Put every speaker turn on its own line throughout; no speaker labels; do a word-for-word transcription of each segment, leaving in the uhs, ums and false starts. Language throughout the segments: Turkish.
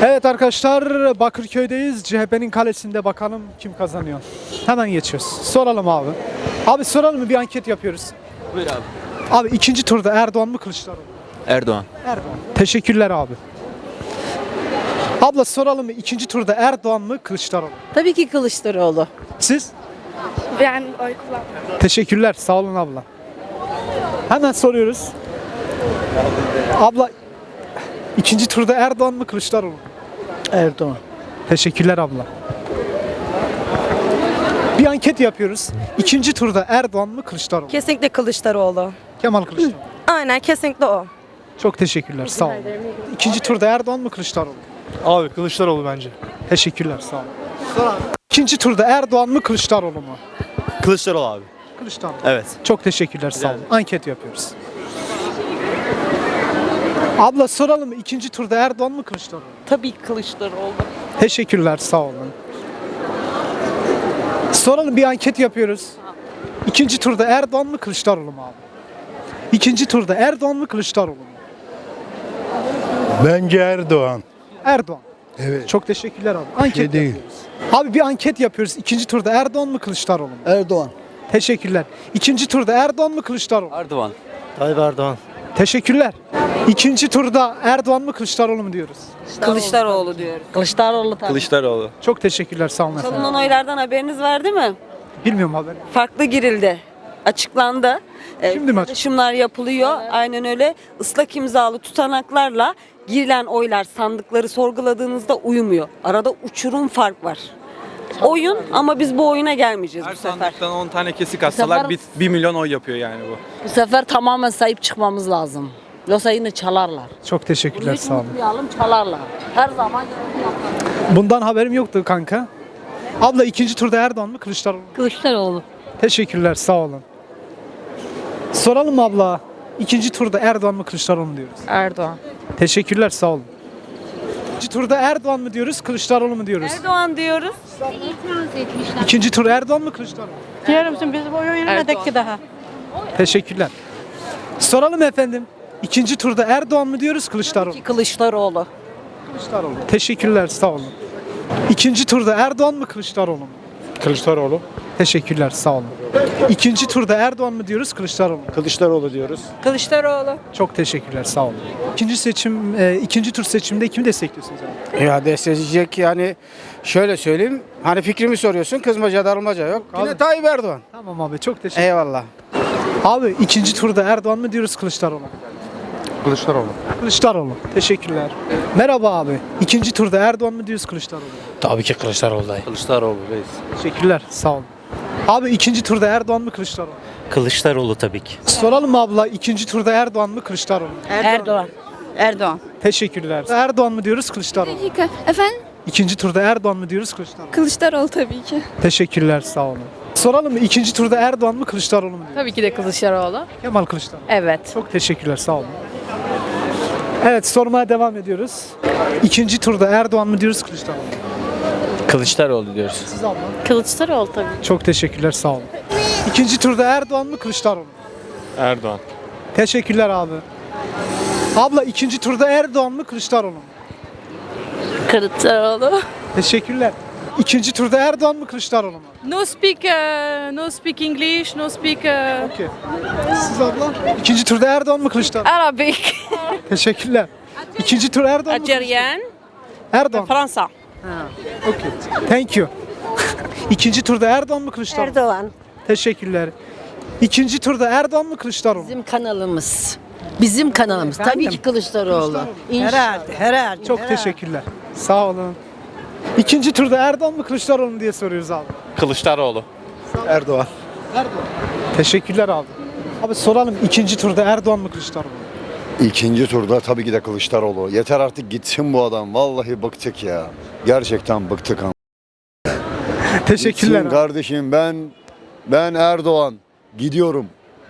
Evet arkadaşlar, Bakırköy'deyiz. C H P'nin kalesinde, bakalım kim kazanıyor. Hemen geçiyoruz. Soralım abi. Abi soralım mı, bir anket yapıyoruz.
Buyur abi.
Abi ikinci turda Erdoğan mı Kılıçdaroğlu mu?
Erdoğan.
Erdoğan. Teşekkürler abi. Abla soralım mı, ikinci turda Erdoğan mı Kılıçdaroğlu mu?
Tabii ki Kılıçdaroğlu.
Siz?
Ben oy kullanmıyorum.
Teşekkürler, sağ olun abla. Hemen soruyoruz. Abla ikinci turda Erdoğan mı Kılıçdaroğlu mu?
Erdoğan.
Teşekkürler abla. Bir anket yapıyoruz. İkinci turda Erdoğan mı Kılıçdaroğlu mu?
Kesinlikle Kılıçdaroğlu.
Kemal Kılıçdaroğlu.
Aynen kesinlikle o.
Çok teşekkürler, sağ olun. İkinci turda Erdoğan mı Kılıçdaroğlu mu?
Abi Kılıçdaroğlu bence.
Teşekkürler, sağ olun. İkinci turda Erdoğan mı Kılıçdaroğlu mu?
Kılıçdaroğlu abi.
Kılıçdaroğlu.
Evet.
Çok teşekkürler, sağ olun. Anket yapıyoruz. Abla soralım mı, ikinci turda Erdoğan mı Kılıçdaroğlu mu?
Tabii ki Kılıçdaroğlu.
Teşekkürler, sağ olun. Soralım, bir anket yapıyoruz. İkinci turda Erdoğan mı Kılıçdaroğlu mu abi? İkinci turda Erdoğan mı Kılıçdaroğlu mu?
Bence Erdoğan.
Erdoğan.
Evet.
Çok teşekkürler abi. Anket
Şey değil.
yapıyoruz. Abi bir anket yapıyoruz. İkinci turda Erdoğan mı Kılıçdaroğlu mu?
Erdoğan.
Teşekkürler. İkinci turda Erdoğan mı Kılıçdaroğlu mu?
Erdoğan.
Tayyip Erdoğan.
Teşekkürler. İkinci turda Erdoğan mı Kılıçdaroğlu mu diyoruz?
Kılıçdaroğlu diyoruz. Kılıçdaroğlu tabii.
Kılıçdaroğlu.
Çok teşekkürler, sağ olun efendim.
Çalınan oylardan haberiniz var değil mi?
Bilmiyorum haber.
Farklı girildi. Açıklandı. Ee,
Şimdi mi açık-
Paylaşımlar yapılıyor. Aynen öyle. Islak imzalı tutanaklarla girilen oylar sandıkları sorguladığınızda uymuyor. Arada uçurum fark var. Oyun ama biz bu oyuna gelmeyeceğiz
Her
bu sefer.
sandıktan on tane kesik atsalar
sefer-
bir, bir milyon oy yapıyor yani bu.
Bu sefer tamamen sahip çıkmamız lazım. Yoksa yine çalarlar.
Çok teşekkürler,
Hiç
sağ olun.
unutmayalım, çalarlar. Her zaman yaparlar.
Bundan haberim yoktu kanka. Abla ikinci turda Erdoğan mı Kılıçdaroğlu mu?
Kılıçdaroğlu.
Teşekkürler, sağ olun. Soralım mı abla? İkinci turda Erdoğan mı Kılıçdaroğlu mu diyoruz?
Erdoğan.
Teşekkürler, sağ olun. İkinci turda Erdoğan mı diyoruz, Kılıçdaroğlu mu diyoruz?
Erdoğan diyoruz.
İkinci tur Erdoğan mı Kılıçdaroğlu mu?
Diyor musun biz bu oyunu yürümedik ki daha.
Teşekkürler. Soralım efendim. İkinci turda Erdoğan mı diyoruz, Kılıçdaroğlu mu?
Kılıçdaroğlu.
Kılıçdaroğlu. Teşekkürler, sağ olun. İkinci turda Erdoğan mı Kılıçdaroğlu mu?
Kılıçdaroğlu.
Teşekkürler, sağ olun. İkinci turda Erdoğan mı diyoruz, Kılıçdaroğlu mu?
Kılıçdaroğlu diyoruz.
Kılıçdaroğlu.
Çok teşekkürler, sağ olun. İkinci seçim, e, ikinci tur seçimde kimi destekliyorsunuz abi?
Ya destekleyecek yani şöyle söyleyeyim. Hani fikrimi soruyorsun, kızmaca darılmaca yok.
Abi.
Yine Tayyip Erdoğan.
Tamam abi, çok teşekkür.
Eyvallah.
Abi ikinci turda Erdoğan mı diyoruz, Kılıçdaroğlu mu?
Kılıçdaroğlu.
Kılıçdaroğlu. Teşekkürler. Merhaba abi. İkinci turda Erdoğan mı diyoruz, Kılıçdaroğlu mu?
Tabii ki Kılıçdaroğlu dayı.
Kılıçdaroğlu reis.
Teşekkürler, sağ olun. Abi ikinci turda Erdoğan mı Kılıçdaroğlu mu?
Kılıçdaroğlu tabii ki.
Soralım mı abla, ikinci turda Erdoğan mı Kılıçdaroğlu mu?
Erdoğan. Erdoğan.
Teşekkürler. Erdoğan mı diyoruz, Kılıçdaroğlu mu?
Dakika. Efendim?
İkinci turda Erdoğan mı diyoruz, Kılıçdaroğlu mu?
Kılıçdaroğlu tabii ki.
Teşekkürler, sağ olun. Soralım mı, ikinci turda Erdoğan mı Kılıçdaroğlu mu diyoruz?
Tabii ki de Kılıçdaroğlu.
Kemal Kılıçdaroğlu.
Evet.
Çok teşekkürler, sağ olun. Evet, sormaya devam ediyoruz. İkinci turda Erdoğan mı diyoruz, Kılıçdaroğlu mu?
Kılıçdaroğlu diyoruz.
Siz abla.
Kılıçdaroğlu tabii.
Çok teşekkürler, sağ olun. İkinci turda Erdoğan mı Kılıçdaroğlu mu?
Erdoğan.
Teşekkürler abi. Abla ikinci turda Erdoğan mı Kılıçdaroğlu mu?
Kılıçdaroğlu.
Teşekkürler. İkinci turda Erdoğan mı Kılıçdaroğlu mu?
No speak, uh, no speak English, no speak uh,
Okey. Siz abla? İkinci turda Erdoğan mı Kılıçdaroğlu mu?
Arabic.
Teşekkürler. İkinci tur Erdoğan mı?
Algerian.
Erdoğan.
Fransa.
Okey. Thank you. İkinci turda Erdoğan mı Kılıçdaroğlu mu?
Erdoğan.
Teşekkürler. İkinci turda Erdoğan mı Kılıçdaroğlu mu?
Bizim kanalımız. Bizim kanalımız. Tabii ki Kılıçdaroğlu. Herhalde, herhalde.
Çok teşekkürler. Sağ olun. İkinci turda Erdoğan mı Kılıçdaroğlu mu diye soruyoruz abi.
Kılıçdaroğlu. Erdoğan.
Erdoğan. Teşekkürler abi. Abi soralım, ikinci turda Erdoğan mı Kılıçdaroğlu mu?
İkinci turda tabii ki de Kılıçdaroğlu. Yeter artık gitsin bu adam. Vallahi bıktık ya. Gerçekten bıktık ama.
Teşekkürler
Gitsin
abi.
kardeşim, ben ben Erdoğan. Gidiyorum.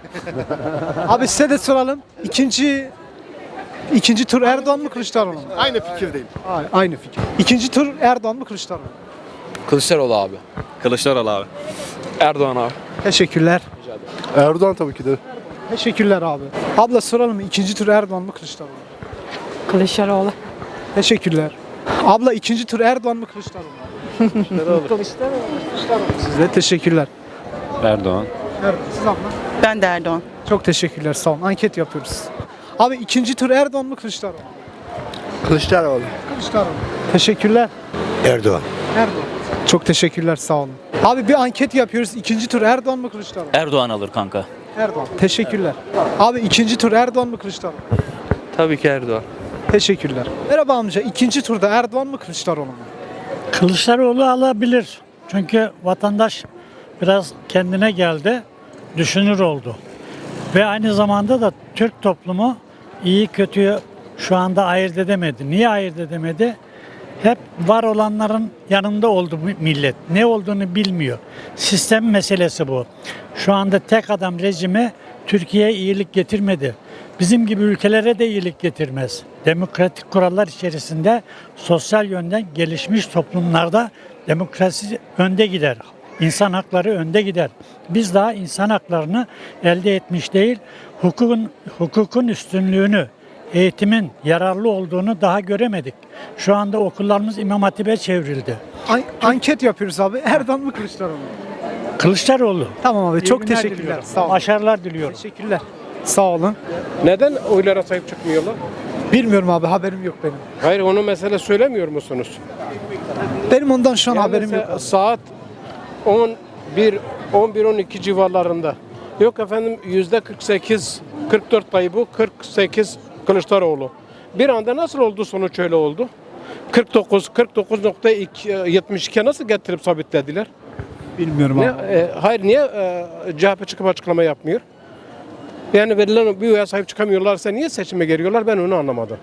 Abi size de soralım. İkinci ikinci tur Erdoğan mı Kılıçdaroğlu mu?
Aynı fikirdeyim.
Aynı, aynı fikir. İkinci tur Erdoğan mı Kılıçdaroğlu mu?
Kılıçdaroğlu abi.
Kılıçdaroğlu abi. Erdoğan abi.
Teşekkürler.
Erdoğan tabii ki de.
Teşekkürler abi. Abla soralım mı? İkinci tur Erdoğan mı Kılıçdaroğlu mu?
Kılıçdaroğlu.
Teşekkürler. Abla ikinci tur Erdoğan mı Kılıçdaroğlu mu? Kılıçdaroğlu. Kılıçdaroğlu. Kılıçdaroğlu. Size teşekkürler.
Erdoğan.
Erdoğan. Siz abla?
Ben de Erdoğan.
Çok teşekkürler. Sağ olun. Anket yapıyoruz. Abi ikinci tur Erdoğan mı Kılıçdaroğlu mu?
Kılıçdaroğlu.
Kılıçdaroğlu. Teşekkürler.
Erdoğan.
Erdoğan. Çok teşekkürler. Sağ olun. Abi bir anket yapıyoruz. İkinci tur Erdoğan mı Kılıçdaroğlu mu?
Erdoğan alır kanka.
Erdoğan. Teşekkürler. Abi ikinci tur Erdoğan mı Kılıçdaroğlu mu?
Tabii ki Erdoğan.
Teşekkürler. Merhaba amca. İkinci turda Erdoğan mı Kılıçdaroğlu mu?
Kılıçdaroğlu alabilir. Çünkü vatandaş biraz kendine geldi, düşünür oldu. Ve aynı zamanda da Türk toplumu iyi kötüyü şu anda ayırt edemedi. Niye ayırt edemedi? Hep var olanların yanında oldu bu millet. Ne olduğunu bilmiyor. Sistem meselesi bu. Şu anda tek adam rejimi Türkiye'ye iyilik getirmedi. Bizim gibi ülkelere de iyilik getirmez. Demokratik kurallar içerisinde sosyal yönden gelişmiş toplumlarda demokrasi önde gider. İnsan hakları önde gider. Biz daha insan haklarını elde etmiş değil, hukukun hukukun üstünlüğünü, eğitimin yararlı olduğunu daha göremedik. Şu anda okullarımız İmam Hatip'e çevrildi.
An- anket yapıyoruz abi. Erdoğan mı Kılıçdaroğlu mu?
Kılıçdaroğlu.
Tamam abi.
İyi
Çok
günler
teşekkürler.
diliyorum.
Sağ olun.
Başarılar diliyorum.
Teşekkürler. Sağ olun.
Neden oylara sahip çıkmıyorlar?
Bilmiyorum abi. Haberim yok benim.
Hayır, onu mesele söylemiyor musunuz?
Benim ondan şu an
Yani
haberim
se-
yok.
Saat on bir on bir on iki civarlarında. Yok efendim, yüzde kırk sekiz kırk dört Tayyip'u, kırk sekiz Kılıçdaroğlu. Bir anda nasıl oldu, sonuç öyle oldu? kırk dokuz kırk dokuz nokta yetmiş iki nasıl getirip sabitlediler?
Bilmiyorum
Ne,
abi.
e, hayır, niye e, C H P çıkıp açıklama yapmıyor? Yani verilen bir oya sahip çıkamıyorlarsa niye seçime geliyorlar, ben onu anlamadım.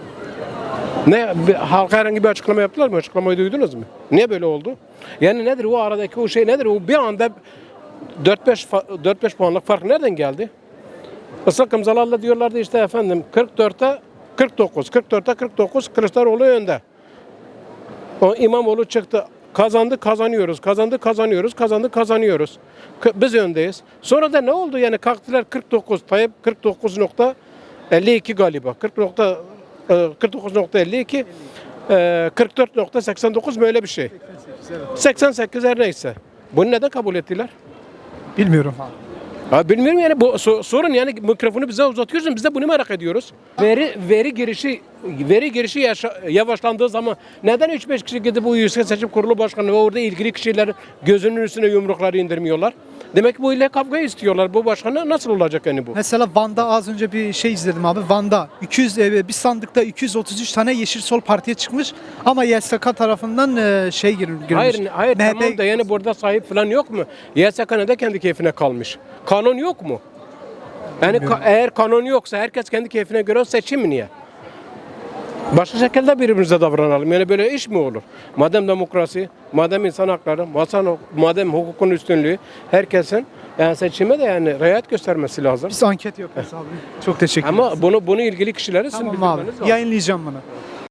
Ne, bir, halka herhangi bir açıklama yaptılar mı? Açıklamayı duydunuz mu? Niye böyle oldu? Yani nedir o aradaki o şey, nedir? O bir anda dört beş puanlık fark nereden geldi? Islak imzalarla diyorlardı işte efendim kırk dörtte kırk dokuz, kırk dörtte kırk dokuz Kılıçdaroğlu önde. O İmamoğlu çıktı. Kazandı kazanıyoruz, kazandı kazanıyoruz, kazandı kazanıyoruz. K- Biz öndeyiz. Sonra da ne oldu? Yani kalktılar kırk dokuz, Tayyip kırk dokuz nokta elli iki galiba. kırk nokta kırk dokuz nokta elli iki, e, kırk dört nokta seksen dokuz böyle bir şey. seksen sekiz her neyse. Bunu neden kabul ettiler?
Bilmiyorum abi.
Ha, bilmiyorum yani, bu so- sorun yani, mikrofonu bize uzatıyorsun, biz de bunu merak ediyoruz. Veri veri girişi veri girişi yaşa- yavaşlandığı zaman neden üç beş kişi gidip bu Yüksek Seçim Kurulu Başkanı ve orada ilgili kişiler gözünün üstüne yumrukları indirmiyorlar? Demek ki bu ile kavga istiyorlar. Bu başkanı nasıl olacak yani bu?
Mesela Van'da az önce bir şey izledim abi. Van'da iki yüz e, bir sandıkta iki yüz otuz üç tane Yeşil Sol Parti'ye çıkmış ama Y S K tarafından e, şey gir- girmiş.
Hayır, hayır
M H P
tamam da yani burada sahip falan yok mu? Y S K da kendi keyfine kalmış. Kanun yok mu? Yani ka- eğer kanun yoksa herkes kendi keyfine göre seçim mi niye? Başka şekilde birbirimize davranalım. Yani böyle iş mi olur? Madem demokrasi, madem insan hakları, madem, madem hukukun üstünlüğü, herkesin yani seçime de yani riayet göstermesi lazım.
Biz anket yapıyoruz abi. Çok teşekkür ederiz.
Ama bunu bunu ilgili kişilere sizin
Tamam abi.
bildirmeniz lazım.
Yayınlayacağım bunu.